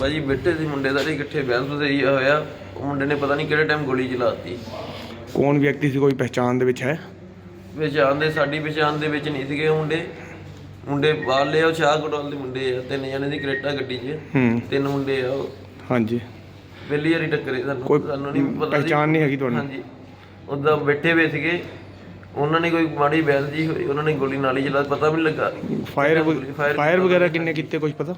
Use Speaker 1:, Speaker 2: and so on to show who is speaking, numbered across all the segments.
Speaker 1: ਭਾਜੀ ਬੈਠੇ ਸੀ ਮੁੰਡੇ ਸਾਰੇ ਇਕੱਠੇ ਬਹਿਸ ਵਸਈਆ ਹੋਇਆ। ਉਹ ਮੁੰਡੇ ਨੇ ਪਤਾ ਨਹੀਂ ਕਿਹੜੇ ਟਾਈਮ ਗੋਲੀ ਚਲਾਤੀ।
Speaker 2: ਕੌਣ ਵਿਅਕਤੀ ਸੀ, ਕੋਈ ਪਹਿਚਾਣ ਦੇ ਵਿੱਚ ਹੈ?
Speaker 1: ਪਹਿਚਾਣ ਦੇ ਸਾਡੀ ਪਹਿਚਾਣ ਦੇ ਵਿੱਚ ਨਹੀਂ ਸੀਗੇ ਮੁੰਡੇ ਬਾਹਰਲੇ ਆ, ਉਹ ਸ਼ਾਹਕੋਟਵਾਲ ਦੇ ਮੁੰਡੇ ਆ। 3 ਜਣੇ ਸੀ ਕਰੇਟਾ ਗੱਡੀ 'ਚ, 3 ਮੁੰਡੇ ਆ ਉਹ।
Speaker 2: ਹਾਂਜੀ,
Speaker 1: ਪਹਿਲੀ ਵਾਰੀ ਟੱਕਰੇ ਸਾਨੂੰ ਨਹੀਂ ਪਤਾ,
Speaker 2: ਪਹਿਚਾਣ ਨਹੀਂ ਹੈਗੀ ਤੁਹਾਨੂੰ?
Speaker 1: ਹਾਂਜੀ, ਉੱਦਾਂ ਬੈਠੇ ਹੋਏ ਸੀਗੇ, ਉਹਨਾਂ ਨੇ ਕੋਈ ਮਾੜੀ ਬਹਿਸ ਜੀ ਹੋਈ, ਉਹਨਾਂ ਨੇ ਗੋਲੀ ਨਾਲ ਹੀ ਚਲਾ, ਪਤਾ ਵੀ ਨਹੀਂ ਲੱਗਾ।
Speaker 2: ਫਾਇਰ ਵਗੈਰਾ ਕਿੰਨੇ ਕੀਤੇ ਕੁਝ ਪਤਾ?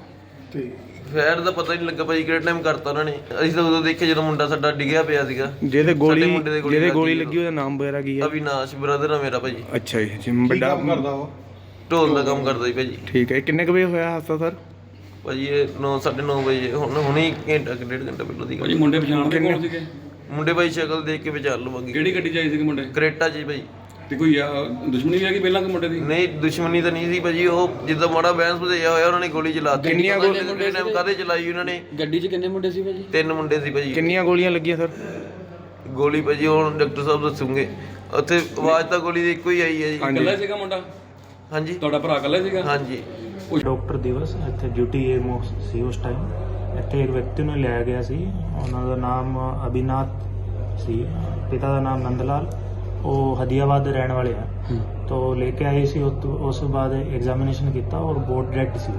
Speaker 1: ਫਾਇਰ ਦਾ ਪਤਾ ਹੀ ਨਹੀਂ ਲੱਗਾ ਭਾਜੀ ਕਿਹੜੇ ਟਾਈਮ ਕਰਤਾ ਉਹਨਾਂ ਨੇ। ਅਸੀਂ ਤਾਂ ਉਦੋਂ ਦੇਖਿਆ ਜਦੋਂ ਮੁੰਡਾ ਸਾਡਾ ਡਿੱਗਿਆ ਪਿਆ ਸੀਗਾ।
Speaker 2: ਜਿਹਦੇ ਗੋਲੀ ਲੱਗੀ ਉਹਦਾ ਨਾਮ ਵਗੈਰਾ ਕੀ ਹੈ?
Speaker 1: ਅਵਿਨਾਸ਼ ਬ੍ਰਦਰ ਆ ਮੇਰਾ ਭਾਜੀ।
Speaker 2: ਅੱਛਾ ਜੀ, ਵੱਡਾ ਕਰਦਾ ਉਹ?
Speaker 1: ਢੋਲ ਦਾ ਕੰਮ ਕਰਦਾ ਜੀ ਭਾਜੀ।
Speaker 2: ਠੀਕ ਹੈ, ਕਿੰਨੇ ਕੁ ਵਜੇ ਹੋਇਆ ਹਾਦਸਾ ਸਰ?
Speaker 1: ਭਾਜੀ ਇਹ 9:30 ਵਜੇ, ਹੁਣੇ ਘੰਟਾ ਕਿ 1.5 ਘੰਟਾ ਪਹਿਲਾਂ ਦੀ ਗੱਲ।
Speaker 3: ਮੁੰਡੇ ਪਛਾਣ ਕੇ ਕੌਣ ਸੀਗੇ?
Speaker 1: ਮੁੰਡੇ ਭਾਈ ਸ਼ਕਲ ਦੇਖ ਕੇ ਵਿਚਾਰ ਲਵਾਂਗੇ।
Speaker 3: ਕਿਹੜੀ ਗੱਡੀ 'ਚ ਆਏ ਸੀਗੇ ਮੁੰਡੇ?
Speaker 1: ਕਰੇਟਾ ਜੀ ਭਾਈ।
Speaker 3: ਤੇ ਕੋਈ ਦੁਸ਼ਮਣੀ ਵੀ ਹੈਗੀ ਪਹਿਲਾਂ ਕਿ ਮੁੰਡੇ ਦੀ?
Speaker 1: ਨਹੀਂ, ਦੁਸ਼ਮਣੀ ਤਾਂ ਨਹੀਂ ਸੀ ਭਾਜੀ। ਉਹ ਜਿੱਦਾਂ ਮਾੜਾ ਬਹਿਸ ਵਧਿਆ ਹੋਇਆ, ਉਹਨਾਂ ਨੇ ਗੋਲੀ ਚਲਾਤੀ।
Speaker 2: ਕਿੰਨੀਆਂ
Speaker 1: ਗੋਲੀਆਂ ਟਾਈਮ ਕਾਹਦੇ ਚਲਾਈ ਉਹਨਾਂ ਨੇ?
Speaker 3: ਗੱਡੀ 'ਚ ਕਿੰਨੇ ਮੁੰਡੇ ਸੀ ਭਾਜੀ?
Speaker 1: 3 ਮੁੰਡੇ ਸੀ ਭਾਜੀ।
Speaker 2: ਕਿੰਨੀਆਂ ਗੋਲੀਆਂ ਲੱਗੀਆਂ ਸਰ?
Speaker 1: ਗੋਲੀ ਭਾਜੀ ਹੁਣ ਡਾਕਟਰ ਸਾਹਿਬ ਦੱਸੂਗੇ। ਉੱਥੇ ਆਵਾਜ਼ ਤਾਂ ਗੋਲੀ ਦੀ ਇੱਕੋ ਹੀ ਆਈ ਹੈ ਜੀ।
Speaker 3: ਇਕੱਲਾ ਸੀਗਾ ਮੁੰਡਾ?
Speaker 1: ਹਾਂਜੀ,
Speaker 3: ਤੁਹਾਡਾ ਭਰਾ ਇਕੱਲਾ ਸੀਗਾ?
Speaker 1: ਹਾਂਜੀ।
Speaker 4: ਡਾਕਟਰ ਦਿਵਸ ਇੱਥੇ ਡਿਊਟੀ ਸੀ ਉਸ ਟਾਈਮ। ਇੱਥੇ ਇੱਕ ਵਿਅਕਤੀ ਨੂੰ ਲਿਆਇਆ ਗਿਆ ਸੀ, ਉਹਨਾਂ ਦਾ ਨਾਮ ਅਭਿਨਾਥ ਸੀ, ਪਿਤਾ ਦਾ ਨਾਮ ਨੰਦਲਾਲ। ਉਹ ਹਦੀਆਬਾਦ ਦੇ ਰਹਿਣ ਵਾਲੇ ਆ। ਤੋ ਲੈ ਕੇ ਆਏ ਸੀ, ਉਸ ਤੋਂ ਬਾਅਦ ਐਗਜ਼ਾਮੀਨੇਸ਼ਨ ਕੀਤਾ ਔਰ ਬੋਰਡ ਡੈਡ ਸੀ।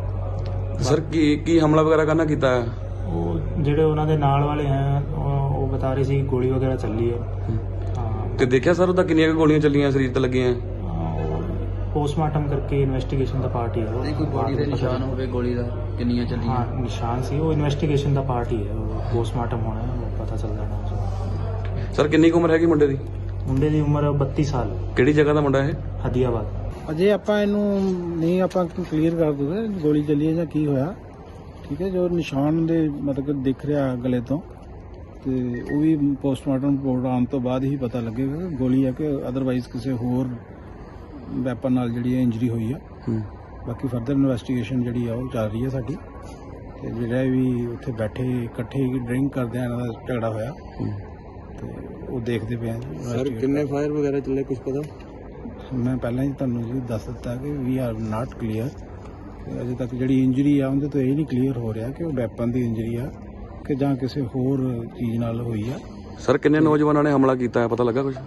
Speaker 3: ਸਰ ਕੀ ਹਮਲਾ ਵਗੈਰਾ ਕਰਨਾ ਕੀਤਾ ਹੈ?
Speaker 4: ਉਹ ਜਿਹੜੇ ਉਹਨਾਂ ਦੇ ਨਾਲ ਵਾਲੇ ਹੈ ਉਹ ਬਤਾ ਰਹੇ ਸੀ ਗੋਲੀ ਵਗੈਰਾ ਚੱਲੀ ਹੈ। ਹਾਂ,
Speaker 3: ਤੇ ਦੇਖਿਆ ਸਰ ਉਹਦਾ ਕਿੰਨੀਆਂ ਕੁ ਗੋਲੀਆਂ ਚੱਲੀਆਂ ਸਰੀਰ ਤੇ ਲੱਗੀਆਂ?
Speaker 4: ਪੋਸਟਮਾਰਟਮ ਕਰਕੇ ਇਨਵੈਸਟੀਗੇਸ਼ਨ ਦਾ ਪਾਰਟ ਹੀ ਹੈ।
Speaker 5: ਨਹੀਂ ਕੋਈ ਬੋਡੀ ਦੇ ਨਿਸ਼ਾਨ ਹੋਵੇ ਗੋਲੀ ਦਾ ਕਿੰਨੀਆਂ ਚੱਲੀਆਂ?
Speaker 4: ਹਾਂ, ਨਿਸ਼ਾਨ ਸੀ, ਉਹ ਇਨਵੈਸਟੀਗੇਸ਼ਨ ਦਾ ਪਾਰਟ ਹੀ ਹੈ। ਪੋਸਟਮਾਰਟਮ ਹੋਣਾ ਹੈ, ਉਹ ਪਤਾ ਚੱਲ ਜਾਣਾ।
Speaker 3: ਸਰ ਕਿੰਨੀ ਕੁ ਉਮਰ ਹੈਗੀ ਮੁੰਡੇ ਦੀ?
Speaker 4: ਮੁੰਡੇ ਦੀ ਉਮਰ 32 ਸਾਲ।
Speaker 3: ਕਿਹੜੀ ਜਗ੍ਹਾ ਦਾ ਮੁੰਡਾ ਇਹ?
Speaker 4: ਹਦੀਆਬਾਦ।
Speaker 6: ਅਜੇ ਆਪਾਂ ਇਹਨੂੰ ਨਹੀਂ ਆਪਾਂ ਕਲੀਅਰ ਕਰ ਦੂਗੇ ਗੋਲੀ ਚੱਲੀ ਹੈ ਜਾਂ ਕੀ ਹੋਇਆ। ਠੀਕ ਹੈ, ਜੋ ਨਿਸ਼ਾਨ ਦੇ ਮਤਲਬ ਦਿਖ ਰਿਹਾ ਗਲੇ ਤੋਂ, ਤੇ ਉਹ ਵੀ ਪੋਸਟਮਾਰਟਮ ਰਿਪੋਰਟ ਆਉਣ ਤੋਂ ਬਾਅਦ ਹੀ ਪਤਾ ਲੱਗੇਗਾ ਕਿ ਗੋਲੀ ਹੈ ਕਿ ਅਦਰਵਾਈਜ਼ ਕਿਸੇ ਹੋਰ ਵੈਪਨ ਨਾਲ ਜਿਹੜੀ ਹੈ ਇੰਜਰੀ ਹੋਈ ਆ। ਬਾਕੀ ਫਰਦਰ ਇਨਵੈਸਟੀਗੇਸ਼ਨ ਜਿਹੜੀ ਆ ਉਹ ਚੱਲ ਰਹੀ ਹੈ ਸਾਡੀ। ਤੇ ਜਿਹੜਾ ਵੀ ਉੱਥੇ ਬੈਠੇ ਇਕੱਠੇ ਡਰਿੰਕ ਕਰਦੇ ਆ, ਇਹਨਾਂ ਦਾ ਝਗੜਾ ਹੋਇਆ ਤੇ ਉਹ ਦੇਖਦੇ ਪਏ ਆ।
Speaker 2: ਸਰ ਕਿੰਨੇ ਫਾਇਰ ਵਗੈਰਾ ਚੱਲੇ ਕੁਝ ਪਤਾ?
Speaker 6: ਮੈਂ ਪਹਿਲਾਂ ਹੀ ਤੁਹਾਨੂੰ ਜੀ ਦੱਸ ਦਿੱਤਾ ਕਿ ਵੀ ਆਰ ਨਾਟ ਕਲੀਅਰ। ਅਜੇ ਤੱਕ ਜਿਹੜੀ ਇੰਜਰੀ ਆ ਉਹਦੇ ਤੋਂ ਇਹ ਨਹੀਂ ਕਲੀਅਰ ਹੋ ਰਿਹਾ ਕਿ ਉਹ ਵੈਪਨ ਦੀ ਇੰਜਰੀ ਆ ਕਿ ਜਾਂ ਕਿਸੇ ਹੋਰ ਚੀਜ਼ ਨਾਲ ਹੋਈ ਆ।
Speaker 3: ਸਰ ਕਿੰਨੇ ਨੌਜਵਾਨਾਂ ਨੇ ਹਮਲਾ ਕੀਤਾ ਹੈ, ਪਤਾ ਲੱਗਾ ਕੁਝ?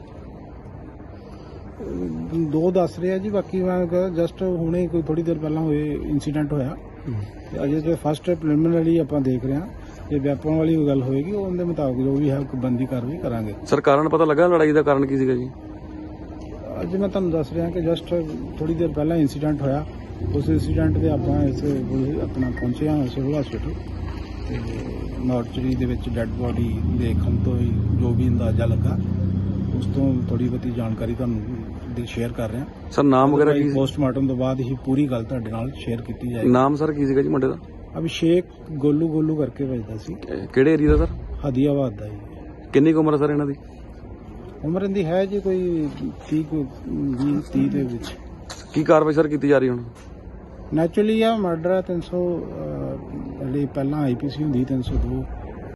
Speaker 6: 2 ਦੱਸ ਰਿਹਾ ਜੀ, ਬਾਕੀ ਮੈਂ ਜਸਟ ਹੁਣੇ ਕੋਈ ਥੋੜੀ ਦੇਰ ਪਹਿਲਾਂ ਹੋਏ ਇਨਸੀਡੈਂਟ ਹੋਇਆ। ਤੇ ਅਜੇ ਤੇ ਫਸਟ ਪ੍ਰੀਲਿਮਿਨਰੀ ਆਪਾਂ ਦੇਖ ਰਹੇ ਹਾਂ। ਜੇ ਵੈਪਨ ਵਾਲੀ ਕੋਈ ਗੱਲ ਹੋਏਗੀ ਉਹਦੇ ਮੁਤਾਬਕ ਜੋ ਵੀ ਹੈ ਬੰਦੀ ਕਾਰਵਾਈ ਕਰਾਂਗੇ।
Speaker 3: ਸਰ ਕਾਰਨ ਪਤਾ ਲੱਗਾ ਲੜਾਈ ਦਾ ਕਾਰਨ ਕੀ ਸੀਗਾ ਜੀ?
Speaker 6: ਅੱਜ ਮੈਂ ਤੁਹਾਨੂੰ ਦੱਸ ਰਿਹਾ ਕਿ ਜਸਟ ਥੋੜੀ ਦੇਰ ਪਹਿਲਾਂ ਇਨਸੀਡੈਂਟ ਹੋਇਆ। ਉਸ ਇਨਸੀਡੈਂਟ ਦੇ ਆਪਾਂ ਇਸ ਆਪਣਾ ਪਹੁੰਚੇ ਹਾਂ ਸਿਵਲ ਹਸਪੀਟਲ, ਤੇ ਮੋਰਚਰੀ ਦੇ ਵਿੱਚ ਡੈੱਡ ਬੋਡੀ ਦੇਖਣ ਤੋਂ ਹੀ ਜੋ ਵੀ ਅੰਦਾਜ਼ਾ ਲੱਗਾ, ਉਸ ਤੋਂ ਥੋੜੀ ਬਹੁਤੀ ਜਾਣਕਾਰੀ ਤੁਹਾਨੂੰ ਸ਼ੇਅਰ ਕਰ ਰਿਹਾ।
Speaker 3: ਸਰ ਨਾਮ ਵਗੈਰਾ ਕੀ?
Speaker 6: ਪੋਸਟਮਾਰਟਮ ਤੋਂ ਬਾਅਦ ਹੀ ਪੂਰੀ ਗੱਲ ਤੁਹਾਡੇ ਨਾਲ ਸ਼ੇਅਰ ਕੀਤੀ ਜਾਏਗੀ।
Speaker 3: ਨਾਮ ਸਰ ਕੀ ਸੀਗਾ ਜੀ ਮੁੰਡੇ ਦਾ?
Speaker 6: ਅਭਿਸ਼ੇਕ ਗੋਲੂ ਕਰਕੇ ਵੱਜਦਾ ਸੀ।
Speaker 3: ਕਿਹੜੇ ਏਰੀਆ ਦਾ ਸਰ?
Speaker 6: ਹਦੀਆਬਾਦ ਦਾ ਜੀ।
Speaker 3: ਕਿੰਨੀ ਕੁ ਉਮਰ ਹੈ ਸਰ ਇਹਨਾਂ ਦੀ?
Speaker 6: ਉਮਰ ਇਹਦੀ ਹੈ ਜੀ ਕੋਈ 30 ਦੇ ਵਿੱਚ।
Speaker 3: ਕੀ ਕਾਰਵਾਈ ਸਰ ਕੀਤੀ ਜਾ ਰਹੀ ਹੁਣ?
Speaker 6: ਨੈਚੁਰਲੀ ਆ ਮਰਡਰ 300 ਜਿਹੜੀ ਪਹਿਲਾਂ ਆਈਪੀਸੀ ਹੁੰਦੀ 302